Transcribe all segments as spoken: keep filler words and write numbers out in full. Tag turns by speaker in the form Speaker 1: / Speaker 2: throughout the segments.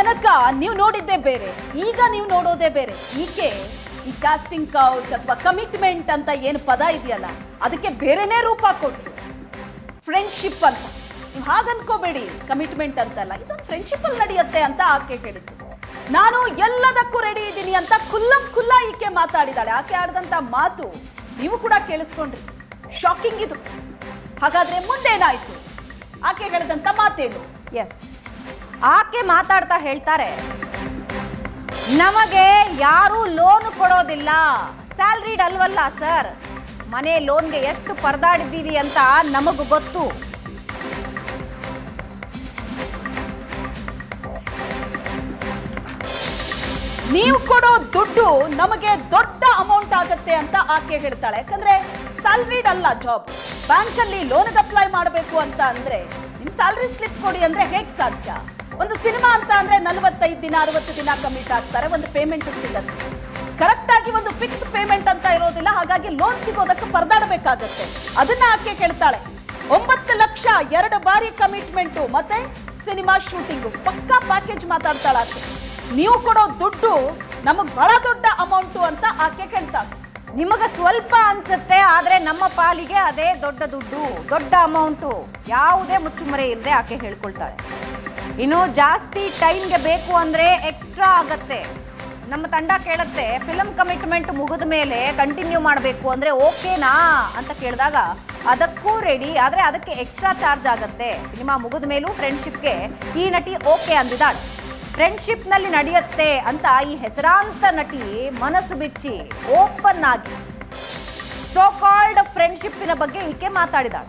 Speaker 1: ತನಕ ನೀವು ನೋಡಿದ್ದೇ ಬೇರೆ, ಈಗ ನೀವು ನೋಡೋದೇ ಬೇರೆ. ಈಕೆ ಈ ಕಾಸ್ಟಿಂಗ್ ಕೌಚ್ ಅಥವಾ ಕಮಿಟ್ಮೆಂಟ್ ಅಂತ ಏನು ಪದ ಇದೆಯಲ್ಲ, ಅದಕ್ಕೆ ಬೇರೆನೇ ರೂಪ ಕೊಟ್ಟರು. ಫ್ರೆಂಡ್ಶಿಪ್ ಅಂತ ನೀವು ಹಾಗನ್ಕೋಬೇಡಿ, ಕಮಿಟ್ಮೆಂಟ್ ಅಂತಲ್ಲ, ಇದೊಂದು ಫ್ರೆಂಡ್ಶಿಪ್ ಅಲ್ಲಿ ನಡೆಯುತ್ತೆ ಅಂತ ಆಕೆ ಹೇಳಿತ್ತು. ನಾನು ಎಲ್ಲದಕ್ಕೂ ರೆಡಿ ಇದ್ದೀನಿ ಅಂತ ಖುಲ್ಲಂ ಖುಲ್ಲ ಈಕೆ ಮಾತಾಡಿದಾಳೆ. ಆಕೆ ಆಡಿದಂತ ಮಾತು ನೀವು ಕೂಡ ಕೇಳಿಸ್ಕೊಂಡ್ರಿ, ಶಾಕಿಂಗ್ ಇದು. ಹಾಗಾದ್ರೆ ಮುಂದೇನಾಯ್ತು? ಆಕೆ ಹೇಳಿದಂತ ಮಾತೇನು?
Speaker 2: ಎಸ್, ಆಕೆ ಮಾತಾಡ್ತಾ ಹೇಳ್ತಾರೆ, ನಮಗೆ ಯಾರು ಲೋನ್ ಕೊಡೋದಿಲ್ಲ, ಸ್ಯಾಲ್ರಿಡ್ ಅಲ್ವಲ್ಲ ಸರ್, ಮನೆ ಲೋನ್ಗೆ ಎಷ್ಟು ಪರದಾಡಿದ್ದೀವಿ ಅಂತ ನಮಗೂ ಗೊತ್ತು.
Speaker 1: ನೀವು ಕೊಡೋ ದುಡ್ಡು ನಮಗೆ ದೊಡ್ಡ ಅಮೌಂಟ್ ಆಗುತ್ತೆ ಅಂತ ಆಕೆ ಹೇಳ್ತಾಳೆ. ಯಾಕಂದ್ರೆ ಸ್ಯಾಲ್ರಿಡ್ ಅಲ್ಲ ಜಾಬ್. ಬ್ಯಾಂಕ್ ಅಲ್ಲಿ ಲೋನ್ಗೆ ಅಪ್ಲೈ ಮಾಡಬೇಕು ಅಂತ ಅಂದ್ರೆ ನಿಮ್ ಸ್ಯಾಲ್ರಿ ಸ್ಲಿಪ್ ಕೊಡಿ ಅಂದ್ರೆ ಹೇಗ್ ಸಾಧ್ಯ? ಒಂದು ಸಿನಿಮಾ ಅಂತ ಅಂದ್ರೆ ನಲವತ್ತೈದು ದಿನ ಅರವತ್ತು ದಿನ ಕಮಿಟ್ ಆಗ್ತಾರೆ, ಒಂದು ಪೇಮೆಂಟ್ ಸಿಗತ್ತೆ. ಕರೆಕ್ಟ್ ಆಗಿ ಒಂದು ಫಿಕ್ಸ್ ಪೇಮೆಂಟ್ ಅಂತ ಇರೋದಿಲ್ಲ. ಹಾಗಾಗಿ ಲೋನ್ ಸಿಗೋದಕ್ಕೆ ಪರದಾಡಬೇಕಾಗತ್ತೆ. ಅದನ್ನ ಆಕೆ ಕೇಳ್ತಾಳೆ. ಒಂಬತ್ತು ಲಕ್ಷ ಎರಡು ಬಾರಿ ಕಮಿಟ್ಮೆಂಟು ಮತ್ತೆ ಸಿನಿಮಾ ಶೂಟಿಂಗು, ಪಕ್ಕಾ ಪ್ಯಾಕೇಜ್ ಮಾತಾಡ್ತಾಳೆ ಆಕೆ. ನೀವು ಕೊಡೋ ದುಡ್ಡು ನಮಗ್ ಬಹಳ ದೊಡ್ಡ ಅಮೌಂಟು ಅಂತ ಆಕೆ ಕೇಳ್ತಾಳೆ.
Speaker 2: ನಿಮಗ ಸ್ವಲ್ಪ ಅನ್ಸುತ್ತೆ, ಆದ್ರೆ ನಮ್ಮ ಪಾಲಿಗೆ ಅದೇ ದೊಡ್ಡ ದುಡ್ಡು, ದೊಡ್ಡ ಅಮೌಂಟು. ಯಾವುದೇ ಮುಚ್ಚುಮರೆ ಇಲ್ಲದೆ ಆಕೆ ಹೇಳ್ಕೊಳ್ತಾಳೆ. ಇನ್ನು ಜಾಸ್ತಿ ಟೈಮ್ಗೆ ಬೇಕು ಅಂದ್ರೆ ಎಕ್ಸ್ಟ್ರಾ ಆಗತ್ತೆ. ನಮ್ಮ ತಂಡ ಕೇಳುತ್ತೆ, ಫಿಲಮ್ ಕಮಿಟ್ಮೆಂಟ್ ಮುಗಿದ ಮೇಲೆ ಕಂಟಿನ್ಯೂ ಮಾಡಬೇಕು ಅಂದ್ರೆ ಓಕೆನಾ ಅಂತ ಕೇಳಿದಾಗ ಅದಕ್ಕೂ ರೆಡಿ, ಆದರೆ ಅದಕ್ಕೆ ಎಕ್ಸ್ಟ್ರಾ ಚಾರ್ಜ್ ಆಗತ್ತೆ. ಸಿನಿಮಾ ಮುಗಿದ ಮೇಲೂ ಫ್ರೆಂಡ್ಶಿಪ್ಗೆ ಈ ನಟಿ ಓಕೆ ಅಂದಿದ್ದಾಳೆ. ಫ್ರೆಂಡ್ಶಿಪ್ನಲ್ಲಿ ನಡೆಯುತ್ತೆ ಅಂತ ಈ ಹೆಸರಾಂತ ನಟಿ ಮನಸ್ಸು ಬಿಚ್ಚಿ ಓಪನ್ ಆಗಿ ಸೋ ಕಾಲ್ಡ್ ಫ್ರೆಂಡ್ಶಿಪ್ಪಿನ ಬಗ್ಗೆ ಈಕೆ ಮಾತಾಡಿದಾಳೆ.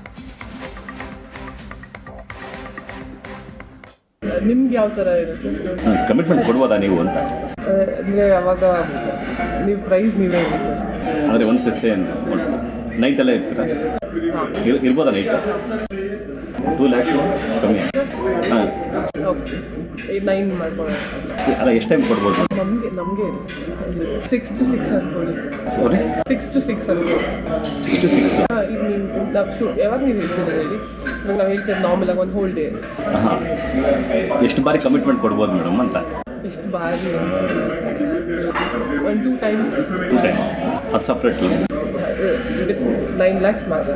Speaker 3: ನಿಮ್ಗೆ ಯಾವ ತರ ಇದೆ ಸರ್?
Speaker 4: ಕಮಿಟ್ಮೆಂಟ್ ಕೊಡ್ಬೋದಾ ನೀವು ಅಂತ?
Speaker 3: ಅಂದರೆ ಅವಾಗ ನೀವು ಪ್ರೈಸ್ ನೀವೇ ಇದೆ ಸರ್?
Speaker 4: ಅಂದರೆ ಒಂದು ಸೆಸ್ಸೆ ನೈಟಲ್ಲೇ ಇರ್ತೀರಾ? ಇರ್ ಇರ್ಬೋದಾ ನೈಟ್? ಟೂ ಲ್ಯಾಕ್ಸ್ ಕಮ್ಮಿ. ಹಾಂ,
Speaker 3: ಓಕೆ, ನೈನ್ ಮಾಡ್ಕೊಳ್ಳೋಣ.
Speaker 4: ಅಲ್ಲ, ಎಷ್ಟು ಟೈಮ್ ಕೊಡ್ಬೋದು?
Speaker 3: ನಮಗೆ ನಮಗೆ ಸಿಕ್ಸ್ ಟು ಸಿಕ್ಸ್ ಅನ್ಕೊಳ್ಳಿ.
Speaker 4: ಸಾರಿ,
Speaker 3: ಸಿಕ್ಸ್ ಟು ಸಿಕ್ಸ್ ಅನ್ಕೊಳ್ಳಿ.
Speaker 4: ಸಿಕ್ಸ್ ಟು ಸಿಕ್ಸ್
Speaker 3: ಹಾಂ, ಈಗ ನೀವು ನಾವು ಶೂ ಯಾವಾಗ ನೀವು ಹೇಳ್ತೀರಿ ಹೇಳಿ? ಇವಾಗ ನಾವು ಹೇಳ್ತೀವಿ ನಾರ್ಮಲ್ ಆಗಿ ಒಂದು ಹೋಲ್ ಡೇ.
Speaker 4: ಹಾಂ, ಎಷ್ಟು ಬಾರಿ ಕಮಿಟ್ಮೆಂಟ್ ಕೊಡ್ಬೋದು ಮೇಡಮ್ ಅಂತ?
Speaker 3: ಎಷ್ಟು ಬಾರಿ? One two times.
Speaker 4: Two times ಅದು ಸಪ್ರೇಟ್
Speaker 3: ನೈನ್ ಲ್ಯಾಕ್ಸ್ ಮಾತ್ರ.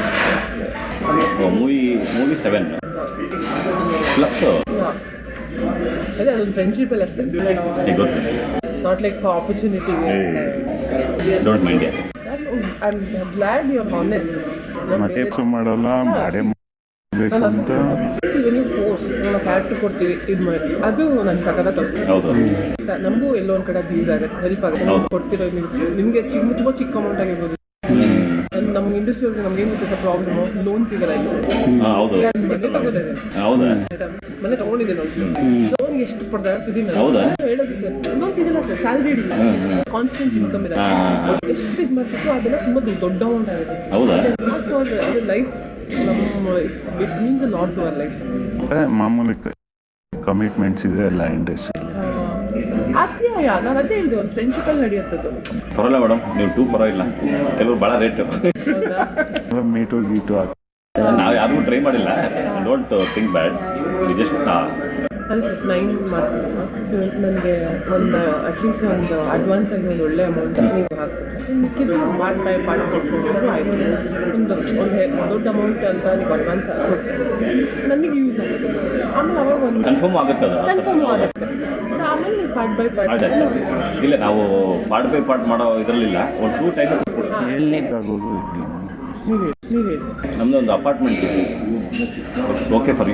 Speaker 4: Movie movie seven plus.
Speaker 3: ಹಾಂ, ಅದೇ ಅದೊಂದು ಫ್ರೆಂಡ್ಶಿಪ್ಪಲ್ಲಿ ಅಷ್ಟೇ.
Speaker 4: ಗೊತ್ತು,
Speaker 3: ನಾಟ್ ಲೈಕ್ ಆಪರ್ಚುನಿಟಿಗೆ.
Speaker 4: Don't mind.
Speaker 3: I am glad you are honest.
Speaker 5: ಮತ್ತೆ ಮಾಡಲ್ಲ ಮಾಡೇ ಅಂತ
Speaker 3: ನೀವು ಫೋರ್ಸ್ ನಾವು ಕ್ಯಾರೆಕ್ಟರ್ ಕೊಡ್ತೀವಿ, ಇದು ಮಾಡಿ ಅದು ನನ್ನ ಪ್ರಕಾರ ತಪ್ಪು.
Speaker 4: ಹೌದು,
Speaker 3: ನಮಗೂ ಎಲ್ಲೋ ಒಂದು ಕಡೆ ಯೂಸ್ ಆಗುತ್ತೆ, ಹೆಲ್ಪ್ ಆಗುತ್ತೆ. ನಾವು ಕೊಡ್ತಿರೋ ನೀವು ನಿಮಗೆ ಚಿಕ್ಕ ತುಂಬ ಚಿಕ್ಕ ಅಮೌಂಟ್ ಆಗಿರ್ಬೋದು. ನಮ್ಮ ಇಂಡಸ್ಟ್ರಿ ಅವ್ರಿಗೆ ನಮ್ಗೆ ಏನು ಗೊತ್ತೆ ಸರ್ ಪ್ರಾಬ್ಲಮು? ಲೋನ್ ಸಿಗಲ್ಲ ಇಲ್ಲ.
Speaker 4: ಹೌದು,
Speaker 3: ಮನೆ ತಗೋದಿದೆ,
Speaker 4: ಹೌದಾ?
Speaker 3: ಮನೆ ತಗೊಂಡಿದ್ದೆ ನೋಡಿ. ಲೋನ್ ಎಷ್ಟು ಪಡೆದಾಡ್ತಿದ್ದೀನಿ
Speaker 4: ಹೌದಾ?
Speaker 3: ಹೇಳೋದು ಸರ್, ಲೋನ್ ಸಿಗಲ್ಲ ಸರ್, ಸ್ಯಾಲ್ರಿ ಇಲ್ಲ, ಕಾನ್ಸ್ಟೆಂಟ್ ಇನ್ಕಮ್ ಇದೆ. ಎಷ್ಟು ಇದು ಮಾಡ್ತೀಸೋ ಅದೆಲ್ಲ ತುಂಬ ದೊಡ್ಡ ಅಮೌಂಟ್ ಆಗುತ್ತೆ.
Speaker 4: ಹೌದಾ?
Speaker 3: ಅದು ಲೈಫ್ ನಮ್ಮ it's it means a lot to our life.
Speaker 5: ಮಾಮೂಲಿ ಕಮಿಟ್ಮೆಂಟ್ಸ್ ಇದೆ ಎಲ್ಲ ಇಂಡಸ್ಟ್ರಿ.
Speaker 3: ಅತ್ಯಾಯ, ನಾನು ಅದೇ ಹೇಳಿದೆ, ಒಂದು ಫ್ರೆಂಡ್ಶಿಪ್ಪಲ್ಲಿ ನಡೆಯುತ್ತದ್ದು.
Speaker 4: ಪರವಾಗಿಲ್ಲ ಮೇಡಮ್, ನೀವು ಟೂ ಪರವಾಗಿಲ್ಲ, ಕೆಲವರು ಭಾಳ ರೇಟು.
Speaker 5: ಮೀಟು ಗೀಟು
Speaker 4: ನಾವು ಯಾರಿಗೂ ಟ್ರೈ ಮಾಡಿಲ್ಲ. ಡೋಂಟ್ ಥಿಂಕ್ ಬ್ಯಾಡ್, ಜಸ್ಟ್
Speaker 3: ಅದೇ ಸರ್, ನೈನ್ ಮಾತ್ರ ನನಗೆ ಒಂದು ಅಟ್ಲೀಸ್ಟ್ ಒಂದು ಅಡ್ವಾನ್ಸ್ ಆಗಿ ಒಂದು ಒಳ್ಳೆ ಅಮೌಂಟ್ ನೀವು ಹಾಕ್ಬಿಟ್ರೆ ಮಿಕ್ಕಿದ್ದು ಪಾರ್ಟ್ ಬೈ ಪಾರ್ಟ್ ಕೊಟ್ಕೊಂಡ್ರು ಆಯಿತು. ಒಂದು ಒಂದು ದೊಡ್ಡ ಅಮೌಂಟ್ ಅಂತ ನೀವು ಅಡ್ವಾನ್ಸ್ ಕೊಟ್ಟರೆ ನನಗೆ ಯೂಸ್ ಆಗುತ್ತೆ. ಆಮೇಲೆ ಅವಾಗ ಒಂದು
Speaker 4: ಕನ್ಫರ್ಮ್ ಆಗುತ್ತೆ, ಅದು
Speaker 3: ಕನ್ಫರ್ಮ್ ಆಗುತ್ತೆ. ಸೊ ಆಮೇಲೆ ನೀವು ಪಾರ್ಟ್ ಬೈ ಪಾರ್ಟ್.
Speaker 4: ಇಲ್ಲ, ನಾವು ಪಾರ್ಟ್ ಬೈ ಪಾರ್ಟ್ ಮಾಡೋ ಇದರಲ್ಲಿಲ್ಲ, ಒಂದು ಟೂ ಟೈಮ್
Speaker 5: ಆಗೋದು
Speaker 3: ನೀವು ಹೇಳಿ ನೀವು ಹೇಳಿ
Speaker 4: ನಮ್ಮದು ಒಂದು apartment okay for you.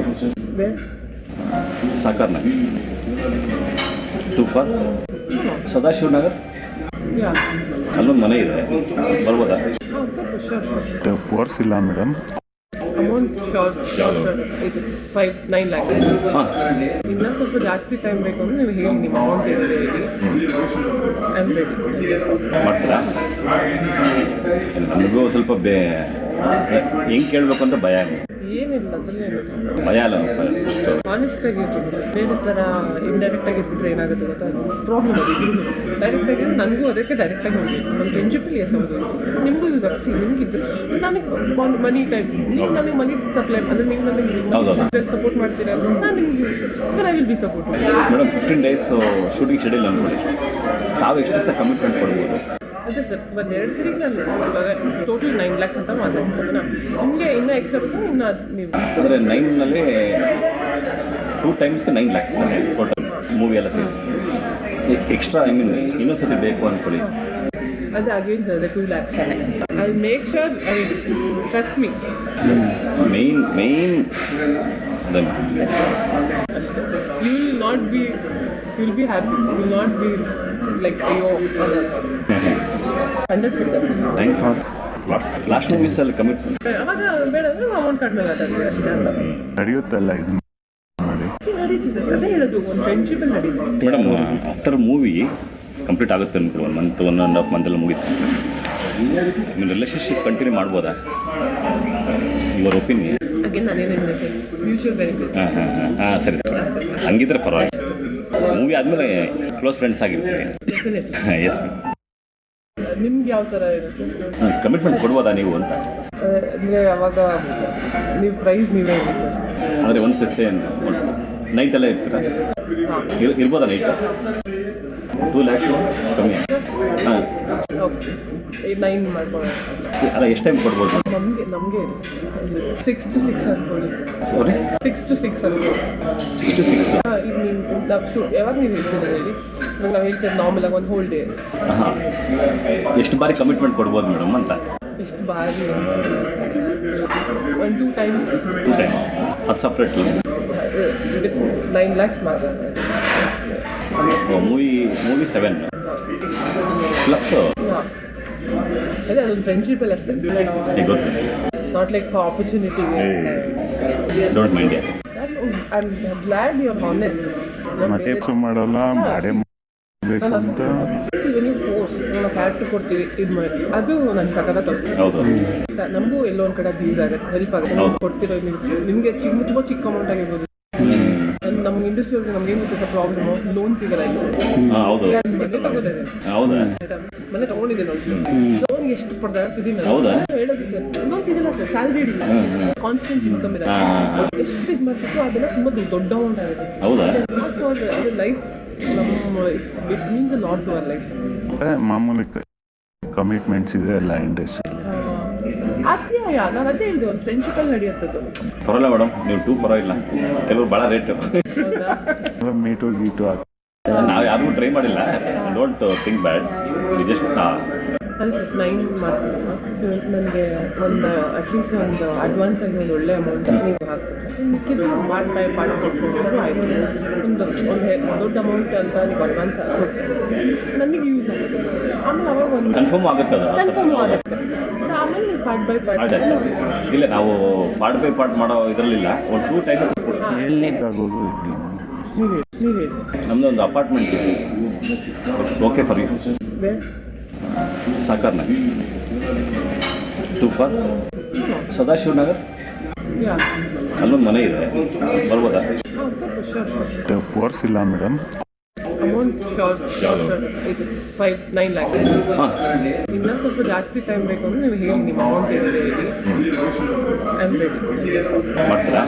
Speaker 4: Sakar Nagar to for Sadashiva Nagar, ಅಲ್ಲೊಂದು ಮನೆ ಇದೆ, ಬರ್ಬೋದಾ?
Speaker 5: ಫೋರ್ಸ್ ಇಲ್ಲ madam.
Speaker 3: Amount sure sure sure ಇದು ಫೈವ್ ನೈನ್ ಲ್ಯಾಕ್.
Speaker 4: ಹಾಂ,
Speaker 3: ಇನ್ನೂ ಸ್ವಲ್ಪ ಜಾಸ್ತಿ ಟೈಮ್ ಬೇಕು ಅಂದರೆ ನೀವು ಹೇಳಿ, ನಿಮ್ಮ ಅಮೌಂಟ್ ಏನಿದೆ ಹೇಳಿ. I am ready.
Speaker 4: ಮಾಡ್ತೀರಾ? ನನಗೂ ಸ್ವಲ್ಪ ಬೇ ಹೆಂಗೆ ಕೇಳಬೇಕು ಅಂತ ಭಯ.
Speaker 3: ಏನಿಲ್ಲ ಅದರಲ್ಲೇನು
Speaker 4: ಭಯ ಅಲ್ಲ
Speaker 3: ಆನೆಸ್ಟ್ ಆಗಿರ್ಬೇಕು. ಬೇರೆ ಥರ ಇಂಡೈರೆಕ್ಟ್ ಆಗಿರ್ಬಿಟ್ರೆ ಏನಾಗುತ್ತೆ ಗೊತ್ತಾ, ಪ್ರಾಬ್ಲಮ್ ಅದು ಇಬ್ಬರು. ಡೈರೆಕ್ಟ್ ಆಗಿ ನನಗೂ ಅದಕ್ಕೆ ಡೈರೆಕ್ಟಾಗಿ ಹೋಗಬೇಕು. ನಮ್ಮ ಫ್ರೆಂಡ್ಶಿಪ್ಪಲ್ಲಿ ಎಸ್ ಹೌದು, ನಿಮಗೂ ಯೂಸ್ ಆಗ್ಸಿ, ನಿಮಗಿದ್ದು ನನಗೆ ಮನಿ ಟೈಪ್, ನೀವು ನನಗೆ ಮನಿ ಸಪ್ಲೈ ಅಂದರೆ ನೀವು ನನಗೆ ಸಪೋರ್ಟ್ ಮಾಡ್ತೀರಾ, ನಾನು ನಿಮಗೆ I will be support.
Speaker 4: Madam fifteen days shooting schedule ಅಂದ್ಕೊಳ್ಳಿ, ತಾವು ಎಷ್ಟು ದಿವಸ ಕಮಿಟ್ಮೆಂಟ್ ಕೊಡ್ಬೋದು?
Speaker 3: ಅದೇ ಸರ್, ಒಂದು ಎರಡು ಸರಿಗೆ ನಾನು ಇವಾಗ ಟೋಟಲ್ ನೈನ್ ಲ್ಯಾಕ್ಸ್ ಅಂತ ಮಾತಾಡ್ತೀನಿ. ನಿಮಗೆ ಇನ್ನೂ ಎಕ್ಸ್ಟ್ರಾ ಬೇಕು, ಇನ್ನು ಅದು ನೀವು
Speaker 4: ಅಂದರೆ ನೈನ್ನಲ್ಲಿ ಟೂ ಟೈಮ್ಸ್ಗೆ ನೈನ್ ಲ್ಯಾಕ್ಸ್ ಟೋಟಲ್ ಮೂವಿ ಎಲ್ಲ ಸೇರಿ ಎಕ್ಸ್ಟ್ರಾ ಐ ಮೀನ್ ಇನ್ನೊಂದು ಸತಿ ಬೇಕು ಅಂದ್ಕೊಳ್ಳಿ.
Speaker 3: ಅದೇ again sir two lakhs I make sure I trust me.
Speaker 4: Main main ಅದನ್ನು
Speaker 3: ಅಷ್ಟೇ. You will not be you will be happy, you will not be like ಅಯ್ಯೋ hundred percent.
Speaker 4: Thank you. Last ಮೂವೀಸಲ್ಲಿ commitment
Speaker 3: ಅವಾಗ ಬೇಡ ಅಂದರೆ ಅಮೌಂಟ್ ಕಡಿಮೆ ಮಾತಾಡ್ತೀವಿ ಅಷ್ಟೇ ಅಂತ
Speaker 5: ನಡೆಯುತ್ತಲ್ಲ ಇದು ಮಾಡಿ.
Speaker 3: ನಡೀತಿ ಸರ್, ಅದೇ ಹೇಳೋದು ಒಂದು ಫ್ರೆಂಡ್ಶಿಪ್ಪಲ್ಲಿ ನಡೀತಿ.
Speaker 4: ಮೇಡಮ್ ಆಫ್ಟರ್ ಮೂವಿ ಕಂಪ್ಲೀಟ್ ಆಗುತ್ತೆ ಅಂದ್ಬಿಟ್ಟು ಒಂದು ಮಂತ್ ಒನ್ ಆ್ಯಂಡ್ ಹಾಫ್ ಮಂತೆಲ್ಲ ಮುಗೀತು. ನಿಮ್ಮ ರಿಲೇಷನ್ಶಿಪ್ ಕಂಟಿನ್ಯೂ ಮಾಡ್ಬೋದಾ? Your opinion.
Speaker 3: ಅಗೇನ್ ನಾನೇನು ಹೇಳಬೇಕು, ಮ್ಯೂಚುವಲ್ ಬೆನಿಫಿಟ್.
Speaker 4: ಹಾಂ ಹಾಂ ಹಾಂ ಹಾಂ ಸರಿ ಸರಿ, ಹಂಗಿದ್ರೆ ಪರವಾಗಿಲ್ಲ. ಮೂವಿ ಆದಮೇಲೆ ಕ್ಲೋಸ್ ಫ್ರೆಂಡ್ಸ್ ಆಗಿರ್ತೀವಿ.
Speaker 3: ಡೆಫಿನೆಟ್ಲಿ.
Speaker 4: ಹಾಂ ಎಸ್.
Speaker 3: ನಿಮ್ಗೆ ಯಾವ ಥರ ಇದೆ ಸರ್?
Speaker 4: ಕಮಿಟ್ಮೆಂಟ್ ಕೊಡ್ಬೋದಾ ನೀವು ಅಂತ?
Speaker 3: ಅಂದರೆ ಅವಾಗ ನೀವು ಪ್ರೈಸ್ ನೀವೇ ಇದೆ ಸರ್.
Speaker 4: ಅಂದರೆ ಒಂದು ಸೆಸ್ಸೆ ನೈಟಲ್ಲೇ ಇರ್ತೀರಾ? ಇರ್ ಇರ್ಬೋದಾ ನೈಟ್? ಟೂ ಲ್ಯಾಕ್ಸ್ ಕಮ್ಮಿ. ಹಾಂ
Speaker 3: ಓಕೆ, ನೈನ್ ಮಾಡ್ಕೊಳ್ಳೋಣ.
Speaker 4: ಅಲ್ಲ ಎಷ್ಟು ಟೈಮ್ ಕೊಡ್ಬೋದು?
Speaker 3: ನಮಗೆ ನಮಗೆ ಸಿಕ್ಸ್ ಟು ಸಿಕ್ಸ್ ಅನ್ಕೊಳ್ಳಿ.
Speaker 4: ಸಾರಿ,
Speaker 3: ಸಿಕ್ಸ್ ಟು ಸಿಕ್ಸ್ ಅನ್ಕೊಳ್ಳಿ.
Speaker 4: ಸಿಕ್ಸ್ ಟು ಸಿಕ್ಸ್
Speaker 3: ಹಾಂ, ಈಗ ನೀವು ನಾವು ಶೂ ಯಾವಾಗ ನೀವು ಹೇಳ್ತೀರಾ ಹೇಳಿ. ಇವಾಗ ನಾವು ಹೇಳ್ತೀವಿ ನಾರ್ಮಲಾಗಿ ಒಂದು ಹೋಲ್ ಡೇಸ್.
Speaker 4: ಹಾಂ, ಎಷ್ಟು ಬಾರಿ ಕಮಿಟ್ಮೆಂಟ್ ಕೊಡ್ಬೋದು ಮೇಡಮ್ ಅಂತ?
Speaker 3: ಎಷ್ಟು ಬಾರಿ ಒಂದು ಟೂ ಟೈಮ್ಸ್.
Speaker 4: ಟೂ ಟೈಮ್ಸ್ ಅದು ಸಪ್ರೇಟ್.
Speaker 3: ನೈನ್ ಲ್ಯಾಕ್ಸ್ ಮಾತ್ರ.
Speaker 4: ಮೂವಿ ಮೂವಿ ಸೆವೆನ್ ಪ್ಲಸ್
Speaker 3: ಹಾಂ, ಅದೇ ಅದೊಂದು ಫ್ರೆಂಡ್ಶಿಪ್ಪಲ್ಲಿ ಅಷ್ಟೇ.
Speaker 4: ಗೊತ್ತು.
Speaker 3: ನಾಟ್ ಲೈಕ್ ಆಪರ್ಚುನಿಟಿಗೆ.
Speaker 4: Don't mind.
Speaker 3: I am glad you are honest.
Speaker 5: ಮತ್ತೆ ಎಪ್ಸು ಮಾಡಲ್ಲ, ಮಾಡೇ ಮಾಡಬೇಕು ಅಂತ.
Speaker 3: ನೀವು ಫೋರ್ಸ್ ನಾವು ಕ್ಯಾರೆಕ್ಟರ್ ಕೊಡ್ತೀವಿ, ಇದು ಮಾಡಿ ಅದು ನನ್ನ ಪ್ರಕಾರ ತಪ್ಪು.
Speaker 4: ಹೌದು.
Speaker 3: ನಮಗೂ ಎಲ್ಲೋ ಒಂದು ಕಡೆ ಯೂಸ್ ಆಗುತ್ತೆ, ಹೆಲ್ಪ್ ಆಗುತ್ತೆ. ನಾವು ಕೊಡ್ತಿರೋ ನಿಮ್ಗೆ ನಿಮಗೆ ಚಿಕ್ಕ ತುಂಬ ಚಿಕ್ಕ ಅಮೌಂಟ್ ಆಗಿರ್ಬೋದು. ನಮ್ಗೆ ಇಂಡಸ್ಟ್ರಿಯಲ್ಲಿ ನಮ್ಗೆ ಏನು ಗೊತ್ತಾ ಸರ್ ಪ್ರಾಬ್ಲಮು, ಲೋನ್ ಸಿಗಲ್ಲ ಇಲ್ಲಿ.
Speaker 4: ಹಾಂ ಹೌದು.
Speaker 3: ಮನೆ ತಗೋದಿದೆ,
Speaker 4: ಹೌದಾ?
Speaker 3: ಮನೆ ತಗೊಂಡಿದ್ದೀನಿ ನೋಡಿ. ಲೋನ್ ಎಷ್ಟು ಪಡೆದಾಡ್ತಿದ್ದೀನಿ
Speaker 4: ಹೌದಾ?
Speaker 3: ಹೇಳೋದು ಸರ್, ಲೋನ್ ಸಿಗಲ್ಲ ಸರ್, ಸ್ಯಾಲ್ರಿ ಇಲ್ಲ, ಕಾನ್ಸ್ಟೆಂಟ್ ಇನ್ಕಮ್ ಇದೆ. ಎಷ್ಟು ಇದು ಮಾಡ್ತಿತ್ತು ಅದೆಲ್ಲ ತುಂಬ ದೊಡ್ಡ ಅಮೌಂಟ್ ಆಗುತ್ತೆ.
Speaker 4: ಹೌದಾ?
Speaker 3: ಅದು ಲೈಫ್ ನಮ್ಮ it's it means a lot to our life.
Speaker 5: ಮಾಮೂಲಿ ಕಮಿಟ್ಮೆಂಟ್ಸ್ ಇದೆ ಎಲ್ಲ ಇಂಡಸ್ಟ್ರಿ.
Speaker 3: ಅತ್ಯಾಯ, ನಾನು ಅದೇ ಹೇಳಿದೆ, ಒಂದು ಫ್ರೆಂಡ್ಶಿಪ್ಪಲ್ಲಿ ನಡೆಯುತ್ತದು.
Speaker 4: ಪರವಾಗಿಲ್ಲ ಮೇಡಮ್, ನೀವು ಟೂ ಪರವಾಗಿಲ್ಲ, ಕೆಲವರು ಭಾಳ ರೇಟು.
Speaker 3: ಹೌದಾ?
Speaker 5: ಮೀಟು ಗೀಟು ಹಾಕಿ
Speaker 4: ನಾವು ಯಾರಿಗೂ ಟ್ರೈ ಮಾಡಿಲ್ಲ. Don't think bad. ಜಸ್ಟ್
Speaker 3: ಅದೇ ಸರ್, ನೈನ್ ಮಾತ್ರ ನನಗೆ ಒಂದು ಅಟ್ಲೀಸ್ಟ್ ಒಂದು ಅಡ್ವಾನ್ಸ್ ಆಗಿ ಒಂದು ಒಳ್ಳೆ ಅಮೌಂಟ್ ನೀವು ಹಾಕ್ಬಿಟ್ರೆ ಮಿಕ್ಕಿದ್ದು ಪಾರ್ಟ್ ಬೈ ಪಾರ್ಟ್ ಕೊಟ್ಕೊಂಡ್ರು ಆಯಿತು. ಒಂದು ಒಂದು ದೊಡ್ಡ ಅಮೌಂಟ್ ಅಂತ ನೀವು ಅಡ್ವಾನ್ಸ್ ಹಾಕ್ಬಿಟ್ರೆ ನನಗೆ ಯೂಸ್ ಆಗುತ್ತೆ. ಆಮೇಲೆ ಅವಾಗ ಒಂದು
Speaker 4: ಕನ್ಫರ್ಮ್ ಆಗುತ್ತೆ ಅದು.
Speaker 3: ಕನ್ಫರ್ಮ್ ಆಗುತ್ತೆ. ಸೊ ಆಮೇಲೆ ನೀವು ಪಾರ್ಟ್ ಬೈ ಪಾರ್ಟ್.
Speaker 4: ಇಲ್ಲ, ನಾವು ಪಾರ್ಟ್ ಬೈ ಪಾರ್ಟ್ ಮಾಡೋ ಇದರಲ್ಲಿಲ್ಲ. ಒಂದು ಟೂ ಟೈಮ್
Speaker 5: ಆಗೋದು ಇಲ್ಲ.
Speaker 3: ನೀವು ಹೇಳಿ ನೀವು ಹೇಳಿ
Speaker 4: ನಮ್ಮದು ಒಂದು ಅಪಾರ್ಟ್ಮೆಂಟ್ ಇದೆ, ಓಕೆ ಫಾರ್ ಯು.
Speaker 3: ಬೇರೆ
Speaker 4: ಸಾಕಾರ್ನಗರ್ ಟೂ ಫಾರ್ ಸದಾಶಿವನಗರ್,
Speaker 3: ಯಾ
Speaker 4: ಅಲ್ಲೊಂದು ಮನೆ ಇದೆ, ಬರ್ಬೋದಾ?
Speaker 3: ಹಾಂ ಶೋರ್.
Speaker 5: ಫೋರ್ಸ್ ಇಲ್ಲ madam.
Speaker 3: Amount sure sure sure ಇದು ಫೈವ್ ನೈನ್ ಲ್ಯಾಕ್ಸ್.
Speaker 4: ಹಾಂ,
Speaker 3: ಇನ್ನೂ ಸ್ವಲ್ಪ ಜಾಸ್ತಿ ಟೈಮ್ ಬೇಕು ಅಂದರೆ ನೀವು ಹೇಳಿ, ನಿಮ್ಮ ಅಮೌಂಟ್ ಏನಿದೆ ಹೇಳಿ. I am ready.
Speaker 4: ಮಾಡ್ತೀರಾ?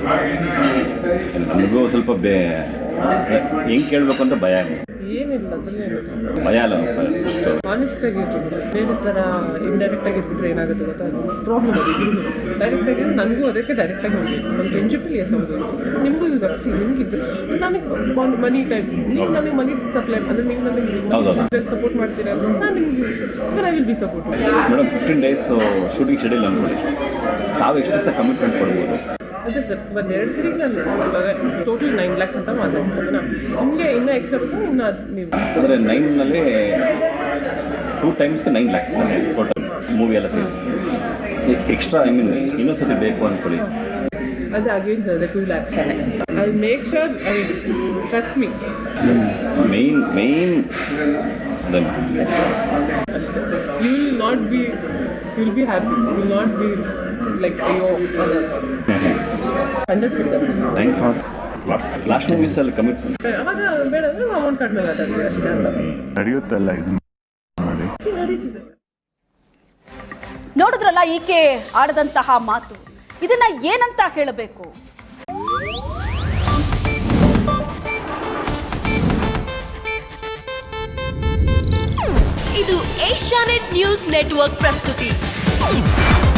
Speaker 4: ನಮಗೂ ಸ್ವಲ್ಪ ಬೇ ಹೆಂಗೆ ಕೇಳಬೇಕು ಅಂತ ಭಯ.
Speaker 3: ಏನಿಲ್ಲ ಅದರಲ್ಲೇನು
Speaker 4: ಭಯ ಅಲ್ಲ
Speaker 3: ಆನೆಸ್ಟ್ ಆಗಿರ್ಬೇಕು. ಬೇರೆ ಥರ ಇಂಡೈರೆಕ್ಟ್ ಆಗಿರ್ಬಿಟ್ರೆ ಏನಾಗುತ್ತೆ ಗೊತ್ತಾ, ಪ್ರಾಬ್ಲಮ್ ಅದು ಇಬ್ಬರು. ಡೈರೆಕ್ಟ್ ಆಗಿ ನನಗೂ ಅದಕ್ಕೆ ಡೈರೆಕ್ಟಾಗಿ ಹೋಗಬೇಕು. ನಮ್ಮ ಫ್ರೆಂಡ್ಶಿಪ್ಪಲ್ಲಿ ಎಸ್ ಹೌದು, ನಿಮಗೂ ಯೂಸ್ ಆಗ್ಸಿ, ನಿಮಗಿದ್ದು ನನಗೆ ಮನಿ ಟೈಪ್, ನೀವು ನನಗೆ ಮನಿ ಸಪ್ಲೈ ಅಂದರೆ ನೀವು ನನಗೆ ಸಪೋರ್ಟ್ ಮಾಡ್ತೀರಾ, ನಾನು ನಿಮಗೆ I will be support.
Speaker 4: Madam fifteen days shooting schedule ಅಂದ್ಕೊಳ್ಳಿ, ತಾವು ಎಷ್ಟು ದಿವಸ ಕಮಿಟ್ಮೆಂಟ್ ಕೊಡ್ಬೋದು?
Speaker 3: ಅದೇ ಸರ್, ಒಂದು ಎರಡು ಸರಿಗೆ ನಾನು ಇವಾಗ ಟೋಟಲ್ ನೈನ್ ಲ್ಯಾಕ್ಸ್ ಅಂತ ಮಾತಾಡ್ತೀನಿ. ನಿಮಗೆ ಇನ್ನೂ ಎಕ್ಸ್ಟ್ರಾ ಬೇಕು, ಇನ್ನು ಅದು ನೀವು
Speaker 4: ಅಂದರೆ ನೈನ್ನಲ್ಲಿ ಟೂ ಟೈಮ್ಸ್ಗೆ ನೈನ್ ಲ್ಯಾಕ್ಸ್ ಟೋಟಲ್ ಮೂವಿ ಎಲ್ಲ ಸೇರಿ ಎಕ್ಸ್ಟ್ರಾ ಐ ಮೀನ್ ಇನ್ನೊಂದು ಸತಿ ಬೇಕು ಅಂದ್ಕೊಳ್ಳಿ.
Speaker 3: ಅದೇ again sir two lakhs I make sure I trust me.
Speaker 4: Main main ಅದನ್ನು
Speaker 3: ಅಷ್ಟೇ. You will not be you will be happy, you will not be like ಅಯ್ಯೋ hundred percent
Speaker 4: thank you last ಮೂವೀಸಲ್ಲಿ commitment
Speaker 3: ಅವಾಗ ಬೇಡ ಅಂದರೆ ಅಮೌಂಟ್ ಕಡಿಮೆ ಮಾತಾಡ್ತೀವಿ ಅಷ್ಟೇ ಅಂತ
Speaker 5: ನಡೆಯುತ್ತಲ್ಲ ಇದು ಮಾಡಿ
Speaker 3: ನಡೀತಿ ಸರ್.
Speaker 1: ನೋಡಿದ್ರಲ್ಲ ಈಕೆ ಆಡದಂತಹ ಮಾತು, ಇದನ್ನ ಏನಂತ ಹೇಳಬೇಕು?
Speaker 6: ಇದು ಏಷ್ಯಾನೆಟ್ ನ್ಯೂಸ್ ನೆಟ್ವರ್ಕ್ ಪ್ರಸ್ತುತಿ.